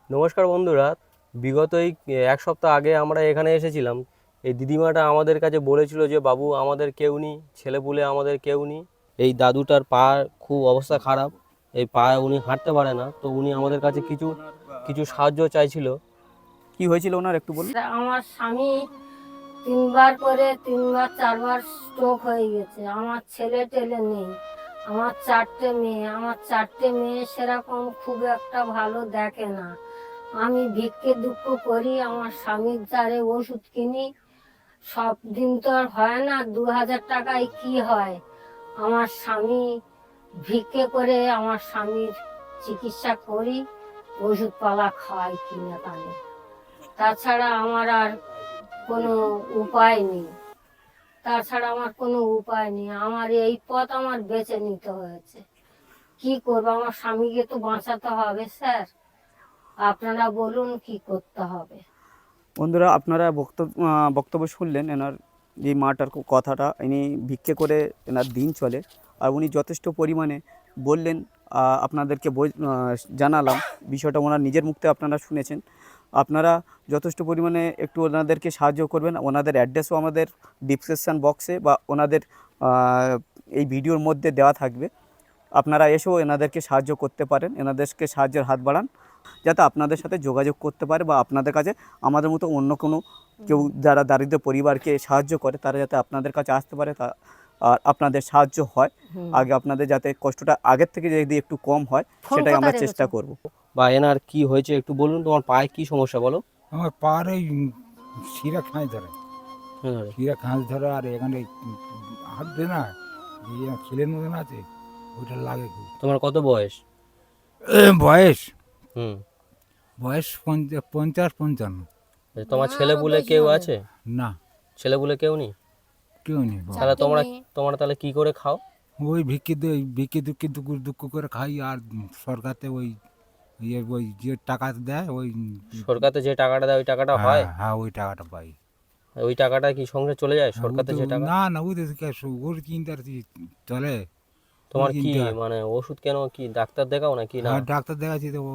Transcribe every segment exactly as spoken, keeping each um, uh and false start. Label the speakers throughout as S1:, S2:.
S1: নমস্কার বন্ধুরা, বিগত এই এক সপ্তাহ আগে আমরা এখানে এসেছিলাম। এই দিদিমাটা আমাদের কাছে বলেছিল যে বাবু আমাদের কেউ নেই, ছেলেপুলে আমাদের কেউ নেই। এই দাদুটার পা খুব অবস্থা খারাপ, এই পা উনি হাঁটতে পারে না, তো উনি আমাদের কাছে কিছু কিছু সাহায্য চাইছিল। কি হয়েছিল ওনার একটু বলুন।
S2: আমার স্বামী তিনবার করে তিনবার চারবার স্ট্রোক হয়ে গেছে। আমার ছেলে টেলে নেই, আমার চারটে মেয়ে আমার চারটে মেয়ে সেরকম খুব একটা ভালো দেখে না। আমি ভিক্ষে দুঃখ করি, আমার স্বামীর দ্বারে ওষুধ কিনি। সব দিন তো আর হয় না, দু হাজার টাকায় কি হয়। আমার স্বামী ভিক্ষে করে আমার স্বামীর চিকিৎসা করি, ওষুধপালা খাওয়াই কিনে কানে। তাছাড়া আমার আর কোনো উপায় নেই, তাছাড়া আমার কোনো উপায় নেই। আমার এই পথ আমার বেছে নিতে হয়েছে। কি করবো, আমার স্বামীকে তো বাঁচাতে হবে স্যার। আপনারা বলুন কি করতে হবে।
S3: বন্ধুরা, আপনারা বক্তব্য বক্তব্য শুনলেন এনার যে মাটার কথাটা। ইনি ভিক্ষে করে এনার দিন চলে, আর উনি যথেষ্ট পরিমাণে বললেন, আপনাদেরকে জানালাম বিষয়টা। ওনার নিজের মুখে আপনারা শুনেছেন। আপনারা যথেষ্ট পরিমাণে একটু ওনাদেরকে সাহায্য করবেন। ওনাদের অ্যাড্রেসও আমাদের ডিসক্রিপশান বক্সে বা ওনাদের এই ভিডিওর মধ্যে দেওয়া থাকবে। আপনারা এসেও এনাদেরকে সাহায্য করতে পারেন, এনাদেরকে সাহায্যের হাত বাড়ান, যাতে আপনাদের সাথে যোগাযোগ করতে পারে বা আপনাদের কাছে আমাদের মতো অন্য কোনো কেউ যারা দারিদ্র পরিবারকে সাহায্য করে তারা যাতে আপনাদের কাছে আসতে পারে, তা আর আপনাদের সাহায্য হয়। আগে আপনাদের যাতে কষ্টটা আগের থেকে যদি একটু কম হয় সেটাই আমরা চেষ্টা করব।
S1: বা এনার কি হয়েছে একটু বলুন, তোমার পায়ে কি সমস্যা বলো।
S4: আমার পার এই শিরা খাঁজ ধরে, শিরা খাঁজ ধরে, আর এখানে হাঁটবে না, খিলের মতন আছে, ওইটা লাগে খুব।
S1: তোমার কত বয়স?
S4: বয়স
S1: হুম
S4: বয়স পঞ্চাশ পঞ্চান্ন।
S1: তোমার ছেলেপুলে কেউ আছে?
S4: না,
S1: ছেলেপুলে কেউ নেই।
S4: কেউ নেই।
S1: তাহলে তোমরা তোমরা তাহলে কি করে খাও?
S4: ওই ভিক্ষে ভিক্ষে দুঃখে দুঃখ দুঃখ করে খাই, আর সরকারতে ওই ইয়ে ওই যে টাকা দেয়, ওই
S1: সরকারতে যে টাকাটা দেয় ওই টাকাটা হয়?
S4: হ্যাঁ, ওই টাকাটা পাই।
S1: ওই টাকাটা কি সংসার চলে যায় সরকারতে যে টাকা?
S4: না না, ওই ওর চিন্তা চলে।
S1: তোমার কি মানে ওষুধ কেন, কি ডাক্তার দেখাও নাকি? না,
S4: ডাক্তার দেখাচ্ছি তো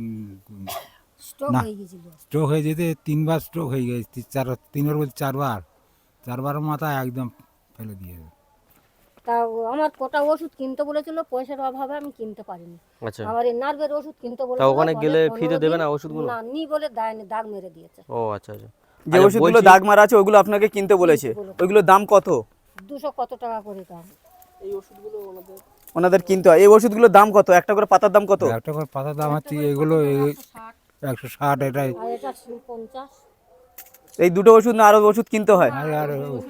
S2: স্ট্রোক হয়ে গেছিল।
S4: স্ট্রোক হয়ে যেতে তিনবার স্ট্রোক হয়ে গেছে, চার তিনবার বলছে চারবার, চারবার মাথা একদম ফেলে দিয়ে।
S2: তা আমার কোটা ওষুধ কিনতে বলেছিল, পয়সার অভাবে আমি কিনতে পারিনি।
S1: আচ্ছা,
S2: আমার এই নার্ভের ওষুধ কিনতে বলেছিল।
S1: তা ওখানে গেলে ফ্রিতে দেবে না ওষুধগুলো?
S2: না, নি বলে দেয়নি, দাগ মেরে দিয়েছে।
S1: ও আচ্ছা আচ্ছা।
S3: যে ওষুধগুলো দাগ মারা আছে ওইগুলো আপনাকে কিনতে বলেছে, ওইগুলোর দাম কত?
S2: দুশো কত টাকা করে দাম।
S1: এই ওষুধগুলো ওনাদের
S3: ওনাদের কিনতে হয়। এই ওষুধগুলোর দাম কত? একটা করে পাতার দাম কত?
S4: একটা করে পাতার দাম হচ্ছে এগুলো একশো ষাট, এটাই।
S2: আর এটা পঞ্চাশ।
S3: এই দুটো ওষুধ না আরো ওষুধ কিনতে হয়?
S4: আর আর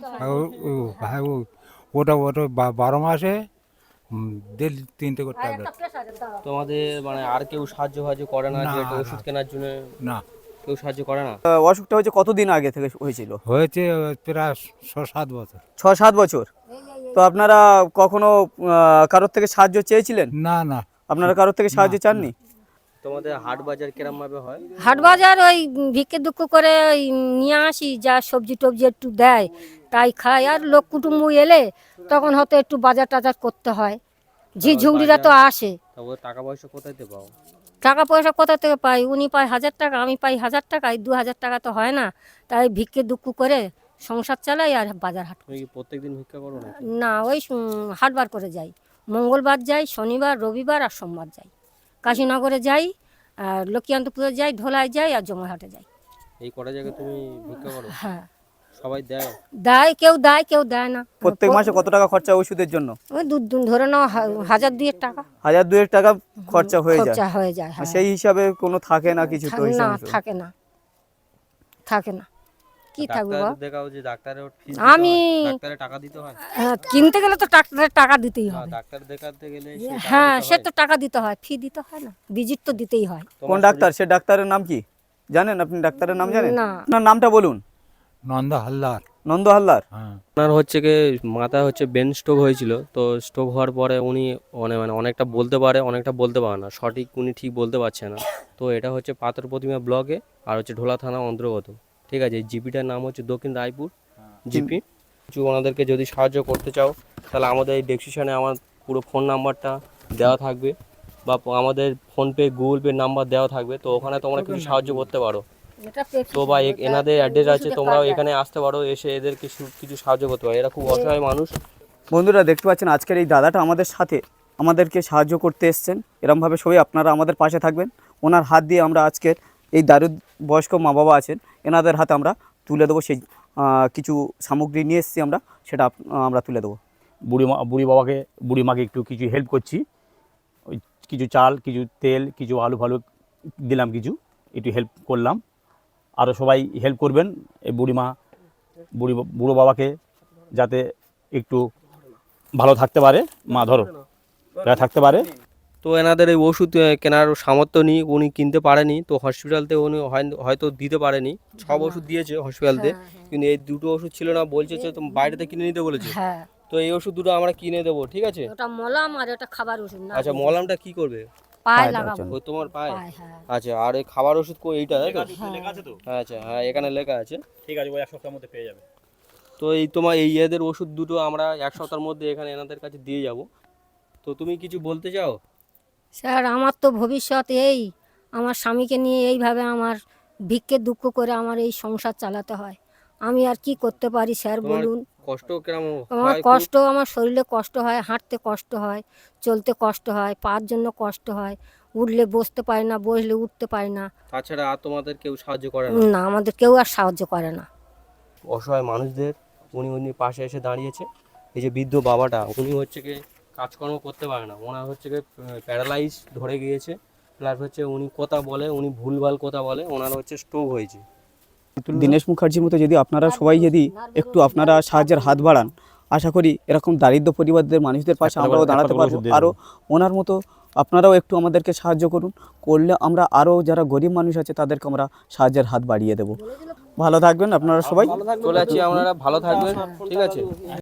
S4: ওটা ওটা বারো মাসে দেড় তিনটে করে ট্যাবলেট।
S1: তোমাদের মানে আর কেউ সাহায্য সাহায্য করে না যে ওষুধ কেনার জন্য?
S4: না,
S1: কেউ সাহায্য করে না।
S3: অসুখটা হয়েছে কতদিন আগে থেকে হয়েছিল?
S4: হয়েছে প্রায় ছ সাত বছর।
S3: ছ সাত বছর। তো আপনারা কখনো কারোর থেকে সাহায্য চেয়েছিলেন?
S4: না না,
S3: আপনারা কারোর থেকে সাহায্য চাননি?
S1: তোমাদের হাট বাজার কিরম ভাবে হয়?
S2: হাট বাজার ওই ভিক্ষে দুঃখ করে ওই নিয়ে আসি, যা সবজি টবজি একটু দেয় তাই খাই। আর লোক কুটুম্ব এলে তখন হয়তো একটু বাজার টাজার করতে হয়। ঝি ঝুড়িরা তো আসে।
S1: টাকা পয়সা কোথায় পাও?
S2: টাকা পয়সা কোথা থেকে পাই? উনি পায় হাজার টাকা, আমি পাই হাজার টাকা, এই দু হাজার টাকা তো হয় না। তাই ভিক্ষে দুঃখ করে সংসার চালাই আর বাজার হাট।
S1: তুমি কি প্রত্যেকদিন ভিক্ষা করো না?
S2: না, ওই হাটবার করে যাই, মঙ্গলবার যাই, শনিবার রবিবার আর সোমবার যাই। কাশীনগরে যাই, আর লক্ষ্মীকান্তপুরে যাই, ধোলায় যাই আর জমাহাটে যাই।
S1: এই কটা জায়গায় তুমি ভিক্ষা করো?
S2: হ্যাঁ।
S1: সবাই দেয়?
S2: দেয়, কেউ দেয় কেউ দেয় না।
S3: প্রত্যেক মাসে কত টাকা খরচা ওষুধের জন্য?
S2: ওই দু দু- ধরে নাও হা- হাজার দুয়েক টাকা
S3: হাজার দুয়েক টাকা খরচা হয়ে যায়।
S2: খরচা হয়ে যায়। হ্যাঁ।
S3: সেই হিসাবে কোনো থাকে না কিছু তো?
S2: না,
S3: হিসাব
S2: থাকে না, থাকে না। কি থাকবে
S1: ডাক্তার
S2: বাবা?
S1: দেখাও যে ডাক্তারের ফিস
S2: আমি
S1: ডাক্তারে টাকা দিতে হয়?
S2: হ্যাঁ, কিনতে গেলে তো ডাক্তারের টাকা দিতেই
S1: না,
S2: হবে।
S1: ডাক্তার দেখাতে গেলে সে টাকা
S2: হ্যাঁ,
S1: দিতে
S2: সে
S1: হয়।
S2: তো টাকা দিতে হয়, ফি দিতে হয় না, ভিজিট তো দিতেই হয়।
S3: কোন ডাক্তার? সে ডাক্তারের নাম কি জানেন? আপনি ডাক্তারের নাম জানেন?
S2: না।
S3: আপনার নামটা বলুন।
S4: নন্দ হালদার।
S3: নন্দ হালদার।
S4: হ্যাঁ,
S1: ওনার হচ্ছে কি মাথা হচ্ছে ব্রেন স্ট্রোক হয়েছিল। তো স্ট্রোক হওয়ার পরে উনি অনেক মানে অনেকটা বলতে পারে, অনেকটা বলতে পারে না, সঠিক উনি ঠিক বলতে পারছে না। তো এটা হচ্ছে পাথর প্রতিমা ব্লকে আর হচ্ছে ঢোলা থানা অন্তর্গত। ঠিক আছে, জিপিটার নাম হচ্ছে দক্ষিণ রায়পুর জিপি। কিছু ওনাদেরকে যদি সাহায্য করতে চাও তাহলে আমাদের এই ডেসক্রিপশনে আমার পুরো ফোন নাম্বারটা দেওয়া থাকবে। বা আমাদের ফোনপে গুগল পে নাম্বার দেওয়া থাকবে, তো ওখানে তোমরা কিছু সাহায্য করতে পারো।
S2: এটা পেপসি
S1: তো বা এ-
S2: এটা
S1: এনাদের অ্যাড্রেস আছে,
S2: ওষুধের
S1: তোমরাও
S2: কাজ
S1: এখানে আসতে পারো, এসে এদের কিছু কিছু সাহায্য করতে পারো। এরা খুব অসহায় মানুষ।
S3: বন্ধুরা দেখতে পাচ্ছেন আজকের এই দাদাটা আমাদের সাথে আমাদেরকে সাহায্য করতে এসছেন। এরমভাবে সবাই আপনারা আমাদের পাশে থাকবেন। ওনার হাত দিয়ে আমরা আজকের এই দারুদ বয়স্ক মা বাবা আছেন, এনাদের হাতে আমরা তুলে দেবো সেই আহ, কিছু সামগ্রী নিয়ে এসেছি আমরা, সেটা আপ- আমরা তুলে দেবো।
S5: বুড়ি মা বুড়ি বাবাকে বুড়ি মাকে একটু কিছু হেল্প করছি, ওই কিছু চাল, কিছু তেল, কিছু আলু ফালু দিলাম, কিছু একটু হেল্প করলাম। আরও সবাই হেল্প করবেন এই বুড়ি মা বুড়ি বুড়ো বাবাকে যাতে একটু ভালো থাকতে পারে, মা ধরো যাতে থাকতে পারে।
S1: তো এনাদের এই ওষুধ আহ, কেনার সামর্থ্য নেই, উনি কিনতে পারেনি, তো হসপিটালতে উনি হয়- হয়তো দিতে পারেনি। সব ওষুধ দিয়েছে হসপিটালতে,
S2: হ্যাঁ, হ্যাঁ।
S1: কিন্তু এই দুটো ওষুধ ছিল না, বলছে যে তুমি বাইরেতে কিনে নিতে বলেছে।
S2: হ্যাঁ,
S1: তো এই ওষুধ দুটো আমরা কিনে দেবো, ঠিক আছে?
S2: ওটা মলাম আর এটা খাবার ওষুধ না।
S1: আচ্ছা, মলমটা কি করবে?
S2: পায়ে
S3: পায়ে
S2: লাগাবো।
S3: দেওয়ার
S1: ওই তোমার পায়ে?
S2: পায়ে, হ্যাঁ।
S1: আচ্ছা, আর এই খাবার ওষুধ কো এইটা, তাই তো?
S5: লেখা আছে তো?
S1: আচ্ছা, হ্যাঁ এখানে লেখা আছে।
S5: ঠিক আছে, ওই এক সপ্তাহের মধ্যে পেয়ে যাবে।
S1: তো এই তোমার এই এদের ওষুধ দুটো আমরা এক সপ্তাহের মধ্যে এখানে এনাদের কাছে দিয়ে যাব। তো তুমি কিছু বলতে চাও?
S2: স্যার আমার তো ভবিষ্যৎ এই, আমার স্বামীকে নিয়ে এইভাবে আমার ভিক্ষে দুঃখ করে আমার এই সংসার চালাতে হয়। আমি আর কি করতে পারি স্যার
S1: তোমার
S2: বলুন।
S1: কষ্ট কেমন
S2: আমার
S1: হয়?
S2: কষ্ট, আমার শরীরে কষ্ট হয়, হাঁটতে কষ্ট হয়, চলতে কষ্ট হয়, পার জন্য কষ্ট হয়, উঠলে বসতে পারি না, বসলে উঠতে পারি না।
S1: তাছাড়া আর তোমাদের কেউ সাহায্য করে না?
S2: না, আমাদের কেউ আর সাহায্য করে না।
S1: অসহায় মানুষদের উনি উনি পাশে এসে দাঁড়িয়েছে। এই যে বৃদ্ধ বাবাটা, উনি হচ্ছে কি কাজকর্ম করতে পারে না, ওনার হচ্ছে কি প্যারালাইজ ধরে গিয়েছে, প্লাস হচ্ছে উনি কথা বলে, উনি ভুলভাল কথা বলে, ওনার হচ্ছে স্ট্রোক হয়েছে।
S3: দীনেশ মুখার্জির মতো যদি আপনারা সবাই যদি একটু আপনারা সাহায্যের হাত বাড়ান, আশা করি এরকম দারিদ্র পরিবারদের মানুষদের পাশে
S5: একটা
S3: আমরাও
S5: করে-
S3: দাঁড়াতে
S5: একটা করে
S3: পারবো।
S5: ওষুধ দিয়ে
S3: আরও ওনার মতো আপনারাও একটু আমাদেরকে সাহায্য করুন, করলে আমরা আরও যারা গরিব মানুষ আছে তাদেরকে আমরা সাহায্যের হাত বাড়িয়ে দেবো। ভালো থাকবেন আপনারা সবাই।
S1: চলে যাচ্ছি, আপনারা ভালো থাকবেন, ঠিক আছে?